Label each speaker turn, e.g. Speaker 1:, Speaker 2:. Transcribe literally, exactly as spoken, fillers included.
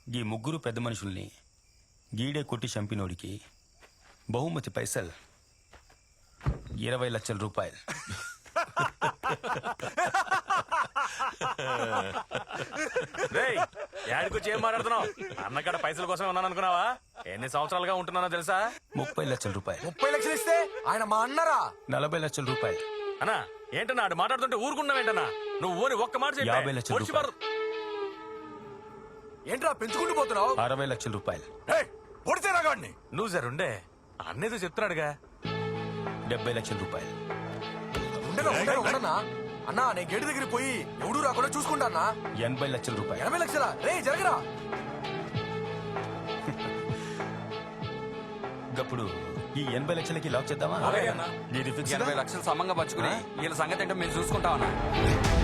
Speaker 1: ఈ ముగ్గురు పెద్ద మనుషుల్ని గీడే కొట్టి చంపినోడికి బహుమతి పైసల్ ఇరవై లక్షల రూపాయలు.
Speaker 2: యాడికొచ్చి ఏం మాట్లాడుతున్నావు? అన్నకాడ పైసల కోసమే ఉన్నాను అనుకున్నావా? ఎన్ని సంవత్సరాలుగా ఉంటున్నానో తెలుసా?
Speaker 1: ముప్పై లక్షల రూపాయలు.
Speaker 3: ముప్పై లక్షలు ఇస్తే ఆయన మా అన్నరా?
Speaker 1: నలభై లక్షల రూపాయలు.
Speaker 2: అన్నా ఏంటన్నా ఆడు మాట్లాడుతుంటే ఊరుకున్నావేంటన్నా? నువ్వు ఓని ఒక్క మాట చెప్పు.
Speaker 1: యాభై లక్షల
Speaker 2: పొడిచి
Speaker 1: రూపాయలు.
Speaker 2: పారు.
Speaker 3: ఏంట్రా పెంచుకుంటూ పోతున్నావు?
Speaker 1: అరవై లక్షల రూపాయలు.
Speaker 3: పొడితే రాగాడిని.
Speaker 2: నువ్వు జరుండే అన్నేదో చెప్తున్నాడుగా.
Speaker 1: డెబ్బై లక్షల రూపాయలు.
Speaker 3: ఉండరా, ఉండరా, ఉండనా? అన్నా నేను గేటు దగ్గరికి పోయి ఎవడు రాకుండా చూసుకుంటా అన్నా.
Speaker 1: ఎనభై లక్షల రూపాయలు.
Speaker 3: ఎనభై లక్షల రే జరగరా.
Speaker 1: ఇప్పుడు ఈ ఎనభై లక్షలకి లాక్ చేద్దామా?
Speaker 2: అలాగే అన్నా.
Speaker 1: ఇది ఫిక్స్.
Speaker 4: ఎనభై లక్షలు సమంగా పంచుకుని వీళ్ళ సంగతి ఏంటో మేము చూసుకుంటామన్నా.